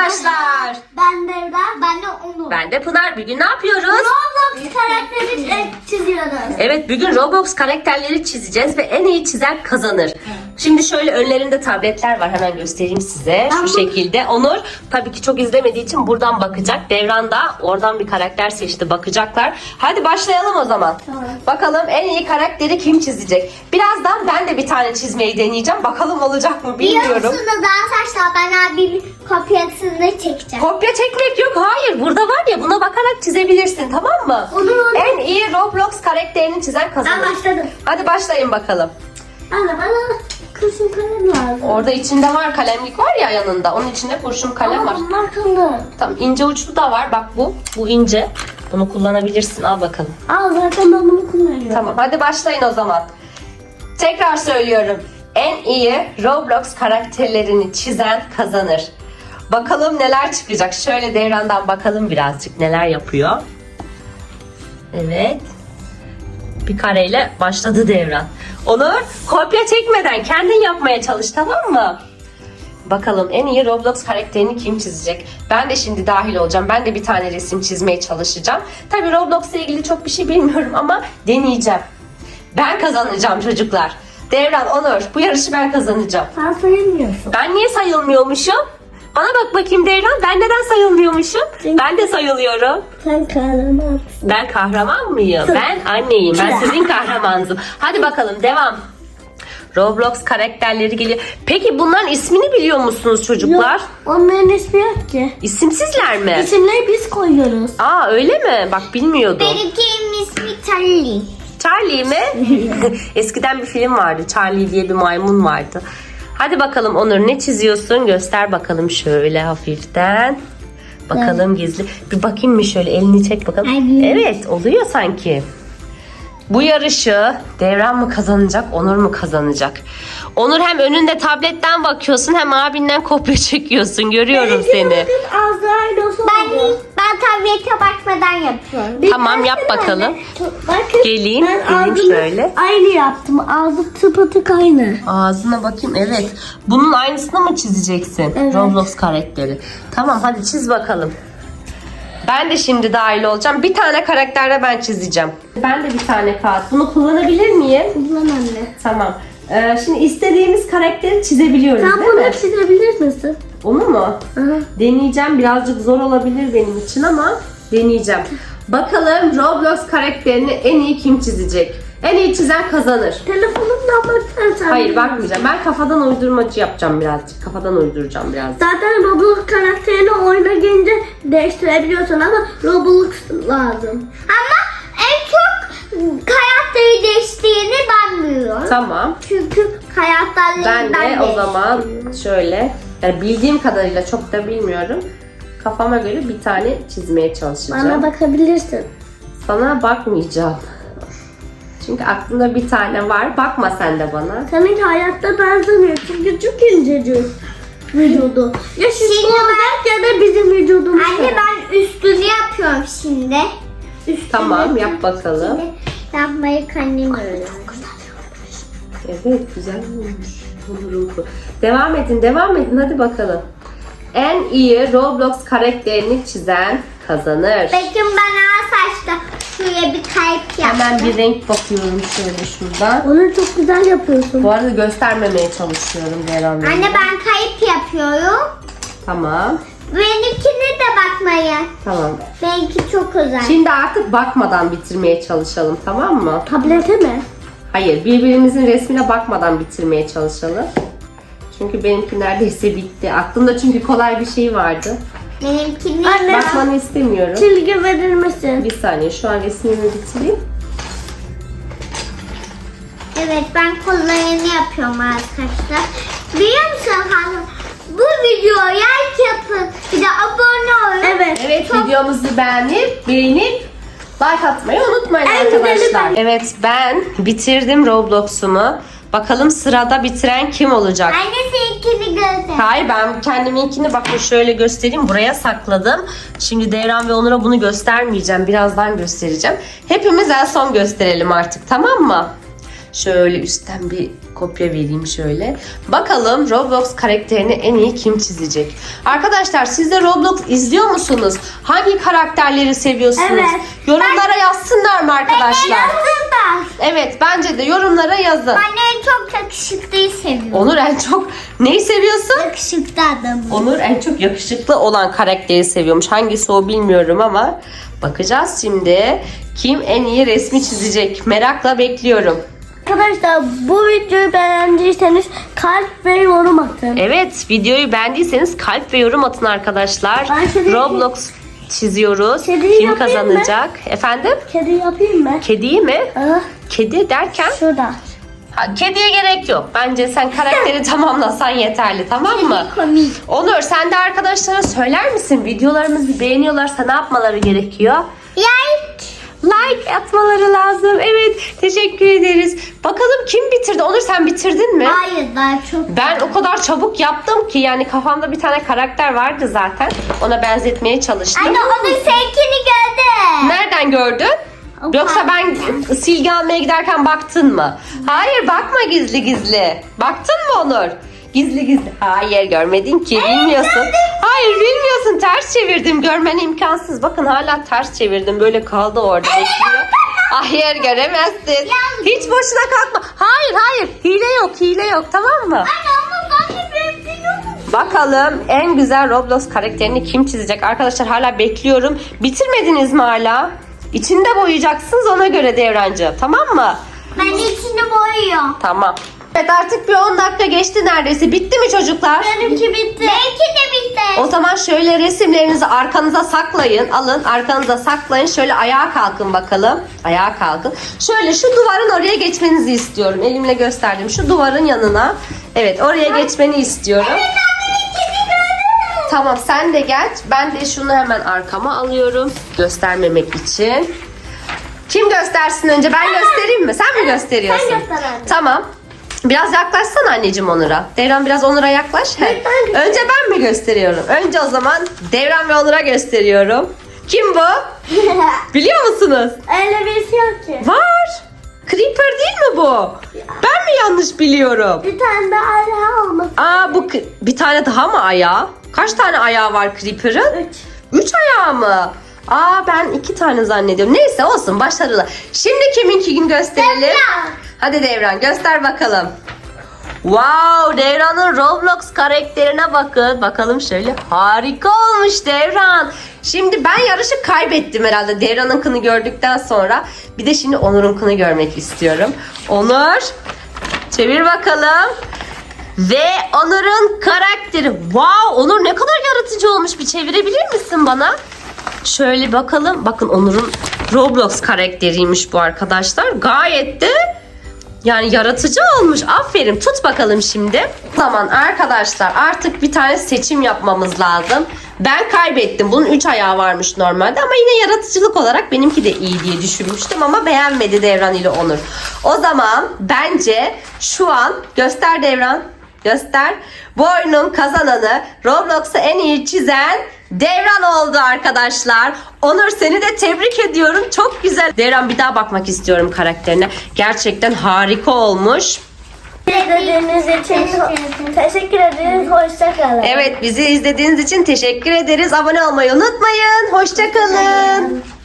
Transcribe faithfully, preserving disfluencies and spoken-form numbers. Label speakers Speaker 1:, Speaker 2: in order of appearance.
Speaker 1: arkadaşlar.
Speaker 2: Ben Devra, ben de Onur.
Speaker 1: Ben de Pınar. Bugün ne yapıyoruz?
Speaker 2: Roblox karakteri e, çiziyoruz.
Speaker 1: Evet, bugün Roblox karakterleri çizeceğiz ve en iyi çizen kazanır. Şimdi şöyle önlerinde tabletler var. Hemen göstereyim size. Şu şekilde. Onur tabii ki çok izlemediği için buradan bakacak. Devran da oradan bir karakter seçti. Bakacaklar. Hadi başlayalım o zaman.
Speaker 2: Tamam.
Speaker 1: Bakalım en iyi karakteri kim çizecek? Birazdan ben de bir tane çizmeyi deneyeceğim. Bakalım olacak mı bilmiyorum.
Speaker 2: Biliyor musunuz arkadaşlar, ben abimin kopyasını çekeceğim.
Speaker 1: Kopya çekmek yok. Hayır. Burada var ya, buna bakarak çizebilirsin, tamam mı?
Speaker 2: Olur, olur.
Speaker 1: En iyi Roblox karakterini çizen kazanır.
Speaker 2: Ben başladım.
Speaker 1: Hadi başlayın bakalım.
Speaker 2: Anne bana kurşun kalem lazım.
Speaker 1: Orada içinde var, kalemlik var ya yanında. Onun içinde kurşun kalem var.
Speaker 2: Ama bunlar kalın.
Speaker 1: Tamam, ince uçlu da var. Bak bu. Bu ince. Bunu kullanabilirsin. Al bakalım.
Speaker 2: Al, zaten ben bunu kullanıyorum.
Speaker 1: Tamam. Hadi başlayın o zaman. Tekrar söylüyorum. En iyi Roblox karakterlerini çizen kazanır. Bakalım neler çıkacak. Şöyle Devran'dan bakalım birazcık neler yapıyor. Evet. Bir kareyle başladı Devran. Onur, kopya çekmeden kendin yapmaya çalış, tamam mı? Bakalım en iyi Roblox karakterini kim çizecek? Ben de şimdi dahil olacağım. Ben de bir tane resim çizmeye çalışacağım. Tabii Roblox'la ilgili çok bir şey bilmiyorum ama deneyeceğim. Ben kazanacağım çocuklar. Devran, Onur, bu yarışı ben kazanacağım.
Speaker 2: Sen sayılmıyorsun.
Speaker 1: Ben niye sayılmıyormuşum? Bana bak bakayım Devran, ben neden sayılmıyormuşum?
Speaker 2: Çünkü-
Speaker 1: Ben de sayılıyorum.
Speaker 2: Sen kahramansın.
Speaker 1: Ben kahraman mıyım? Ben anneyim. Ben sizin kahramanınızım. Hadi bakalım devam. Roblox karakterleri geliyor. Peki bunların ismini biliyor musunuz çocuklar?
Speaker 2: Yok, onların ismi yok ki.
Speaker 1: İsimsizler mi?
Speaker 2: İsimleri biz koyuyoruz.
Speaker 1: Aa, öyle mi? Bak bilmiyordum.
Speaker 2: Benimkinin ismi Charlie.
Speaker 1: Charlie mi? Eskiden bir film vardı. Charlie diye bir maymun vardı. Hadi bakalım Onur, ne çiziyorsun? Göster bakalım şöyle hafiften. Bakalım gizli. Bir bakayım mı şöyle, elini çek bakalım.
Speaker 2: Hadi.
Speaker 1: Evet, oluyor sanki. Bu yarışı Devran mı kazanacak, Onur mu kazanacak? Onur, hem önünde tabletten bakıyorsun hem abinden kopya çekiyorsun. Görüyorum seni.
Speaker 2: Ben, ben tablete bakmadan yapıyorum.
Speaker 1: Tamam, yap bakalım.
Speaker 2: Bakın,
Speaker 1: Geleyim,
Speaker 2: ben
Speaker 1: geleyim
Speaker 2: ağzımı
Speaker 1: şöyle.
Speaker 2: Aynı yaptım. Ağzı tıpatık aynı.
Speaker 1: Ağzına bakayım, evet. Bunun aynısını mı çizeceksin?
Speaker 2: Evet.
Speaker 1: Roblox karakteri. Tamam, hadi çiz bakalım. Ben de şimdi dahil olacağım. Bir tane karakterle ben çizeceğim. Ben de bir tane kağıt. Bunu kullanabilir miyim?
Speaker 2: Kullan anne.
Speaker 1: Tamam. Ee, şimdi istediğimiz karakteri çizebiliyoruz,
Speaker 2: Sen
Speaker 1: değil
Speaker 2: bunu
Speaker 1: mi?
Speaker 2: çizebilir misin?
Speaker 1: Onu mu?
Speaker 2: Aha.
Speaker 1: Deneyeceğim. Birazcık zor olabilir benim için ama deneyeceğim. Bakalım Roblox karakterini en iyi kim çizecek? En iyi çizen kazanır.
Speaker 2: Telefonumdan baksana.
Speaker 1: Hayır, bakmayacağım. Ben kafadan uydurmacı yapacağım birazcık. Kafadan uyduracağım birazcık.
Speaker 2: Zaten Roblox karakterini oyuna gelince değiştirebiliyorsun ama Roblox lazım. Ama en çok karakteri değiştiğini ben biliyorum.
Speaker 1: Tamam.
Speaker 2: Çünkü karakterleri
Speaker 1: Ben
Speaker 2: ben,
Speaker 1: de o zaman şöyle, yani bildiğim kadarıyla, çok da bilmiyorum. Kafama göre bir tane çizmeye çalışacağım.
Speaker 2: Bana bakabilirsin.
Speaker 1: Sana bakmayacağım. Çünkü aklımda bir tane var. Bakma sen de bana.
Speaker 2: Seninki hayatta benzemiyor çünkü çok incecik vücudu. Ya şişko olacak ya da bizim vücudumuz. Anne ben üstünü yapıyorum şimdi. Üstünü
Speaker 1: Tamam, yap bakalım.
Speaker 2: yapmayı kendim öğrendim.
Speaker 1: Evet, güzel olmuş. Olurum bu. Devam edin, devam edin. Hadi bakalım. En iyi Roblox karakterini çizen kazanır.
Speaker 2: Bakın ben ağ saçta şuraya bir kalp yaptım.
Speaker 1: Hemen bir renk bakıyorum şöyle şuradan.
Speaker 2: Onu çok güzel yapıyorsun.
Speaker 1: Bu arada göstermemeye çalışıyorum Devran Bey'e.
Speaker 2: Anne ben kayıp yapıyorum.
Speaker 1: Tamam.
Speaker 2: Benimkine de bakmayın.
Speaker 1: Tamam.
Speaker 2: Benimki çok özel.
Speaker 1: Şimdi artık bakmadan bitirmeye çalışalım, tamam mı?
Speaker 2: Tablete mi?
Speaker 1: Hayır, birbirimizin resmine bakmadan bitirmeye çalışalım. Çünkü benimki neredeyse bitti. Aklımda çünkü kolay bir şey vardı.
Speaker 2: Benimkini
Speaker 1: Anne. Bakmanı istemiyorum.
Speaker 2: çizgi verir misin?
Speaker 1: Bir saniye, şu an resmimi bitireyim.
Speaker 2: Evet, ben kollarını yapıyorum arkadaşlar. Biliyor musun hanım? Bu videoya like yapın. Bir de abone olun. Evet.
Speaker 1: Evet,
Speaker 2: Çok...
Speaker 1: videomuzu beğenip, beğenip like atmayı unutmayın
Speaker 2: En güzeli
Speaker 1: arkadaşlar.
Speaker 2: ben.
Speaker 1: Evet, ben bitirdim Roblox'umu. Bakalım sırada bitiren kim olacak?
Speaker 2: Anne seninkini göster.
Speaker 1: Hayır, ben kendiminkini bakın şöyle göstereyim. Buraya sakladım. Şimdi Devran ve Onur'a bunu göstermeyeceğim. Birazdan göstereceğim. Hepimiz en son gösterelim artık, tamam mı? Şöyle üstten bir kopya vereyim şöyle. Bakalım Roblox karakterini en iyi kim çizecek? Arkadaşlar siz de Roblox izliyor musunuz? Hangi karakterleri seviyorsunuz?
Speaker 2: Evet.
Speaker 1: Yorumlara yazsınlar mı arkadaşlar?
Speaker 2: Yazdım ben.
Speaker 1: Evet bence de yorumlara yazın.
Speaker 2: Ben en çok yakışıklıyı seviyorum.
Speaker 1: Onur en çok neyi seviyorsun?
Speaker 2: Yakışıklı adamı.
Speaker 1: Onur en çok yakışıklı olan karakteri seviyormuş. Hangisi o bilmiyorum ama bakacağız şimdi. Kim en iyi resmi çizecek? Merakla bekliyorum.
Speaker 2: Arkadaşlar bu videoyu beğendiyseniz kalp ve yorum atın.
Speaker 1: Evet, videoyu beğendiyseniz kalp ve yorum atın arkadaşlar.
Speaker 2: Ben kedi-
Speaker 1: Roblox çiziyoruz.
Speaker 2: Kediyi
Speaker 1: Kim
Speaker 2: yapayım
Speaker 1: kazanacak? Efendim?
Speaker 2: Kedi yapayım mı?
Speaker 1: Kediyi mi?
Speaker 2: Ah,
Speaker 1: Kedi derken?
Speaker 2: şurada.
Speaker 1: Ha, kediye gerek yok. Bence sen karakteri tamamlasan yeterli, tamam mı?
Speaker 2: Komik.
Speaker 1: Onur sen de arkadaşlara söyler misin? Videolarımızı beğeniyorlarsa ne yapmaları gerekiyor?
Speaker 2: Like.
Speaker 1: Like atmaları lazım. Evet, teşekkür ederiz. Bakalım kim bitirdi? Onur sen bitirdin mi?
Speaker 2: Hayır daha çok.
Speaker 1: Ben o kadar çabuk yaptım ki yani kafamda bir tane karakter vardı zaten. Ona benzetmeye çalıştım.
Speaker 2: Anne onun seninkini gördüm.
Speaker 1: Nereden gördün?
Speaker 2: O
Speaker 1: Yoksa ben
Speaker 2: parkta.
Speaker 1: silgi almaya giderken baktın mı? Hayır bakma gizli gizli. Baktın mı Onur? Gizli gizli. Hayır görmedin ki bilmiyorsun. Hayır bilmiyorsun ters çevirdim. Görmen imkansız. Bakın hala ters çevirdim. Böyle kaldı orada bekliyor. Hayır göremezsin. Hiç boşuna kalkma. Hayır hayır hile yok hile yok tamam mı?
Speaker 2: Anne ama zaten benim yok.
Speaker 1: Bakalım en güzel Roblox karakterini kim çizecek? Arkadaşlar hala bekliyorum. Bitirmediniz mi hala? İçinde boyayacaksınız ona göre Devrancığım. Tamam mı?
Speaker 2: Ben içini boyuyorum.
Speaker 1: Tamam. Evet artık bir on dakika geçti neredeyse. Bitti mi çocuklar?
Speaker 2: Benimki bitti. Benimki de bitti.
Speaker 1: O zaman şöyle resimlerinizi arkanıza saklayın. Alın arkanıza saklayın. Şöyle ayağa kalkın bakalım. Ayağa kalkın. Şöyle şu duvarın oraya geçmenizi istiyorum. Elimle gösterdim. Şu duvarın yanına. Evet oraya geçmeni istiyorum. Tamam sen de gel. Ben de şunu hemen arkama alıyorum. Göstermemek için. Kim göstersin önce? Ben göstereyim mi? Sen mi gösteriyorsun?
Speaker 2: Sen göster anne.
Speaker 1: Tamam. Biraz yaklaşsana anneciğim Onur'a. Devran biraz Onur'a yaklaş. He.
Speaker 2: Ben göstereyim.
Speaker 1: Önce ben mi gösteriyorum? Önce o zaman Devran ve Onur'a gösteriyorum. Kim bu? Biliyor musunuz?
Speaker 2: Öyle birisi yok ki.
Speaker 1: Var. Creeper değil mi bu? Ben mi yanlış biliyorum?
Speaker 2: Bir tane daha ayağı olması.
Speaker 1: Aa bu k- bir tane daha mı ayağı? Kaç tane ayağı var Creeper'ın?
Speaker 2: Üç.
Speaker 1: Üç ayağı mı? Aa ben iki tane zannediyorum. Neyse olsun başarılı. Şimdi kiminki gün gösterelim?
Speaker 2: Devran.
Speaker 1: Hadi Devran göster bakalım. Wow Devran'ın Roblox karakterine bakın. Bakalım şöyle harika olmuş Devran. Şimdi ben yarışı kaybettim herhalde Devran'ınkını gördükten sonra. Bir de şimdi Onur'unkını görmek istiyorum. Onur çevir bakalım. Ve Onur'un karakteri. Wow Onur ne kadar yaratıcı olmuş. Bir çevirebilir misin bana? Şöyle bakalım. Bakın Onur'un Roblox karakteriymiş bu arkadaşlar. Gayet de yani yaratıcı olmuş. Aferin. Tut bakalım şimdi. Tamam arkadaşlar artık bir tane seçim yapmamız lazım. Ben kaybettim. Bunun üç ayağı varmış normalde ama yine yaratıcılık olarak benimki de iyi diye düşünmüştüm ama beğenmedi Devran ile Onur. O zaman bence şu an göster Devran. Göster. Bu oyunun kazananı Roblox'u en iyi çizen Devran oldu arkadaşlar. Onur seni de tebrik ediyorum. Çok güzel. Devran bir daha bakmak istiyorum karakterine. Gerçekten harika olmuş.
Speaker 2: İzlediğiniz için teşekkür ederiz. Hoşçakalın.
Speaker 1: Evet bizi izlediğiniz için teşekkür ederiz. Abone olmayı unutmayın. Hoşça kalın.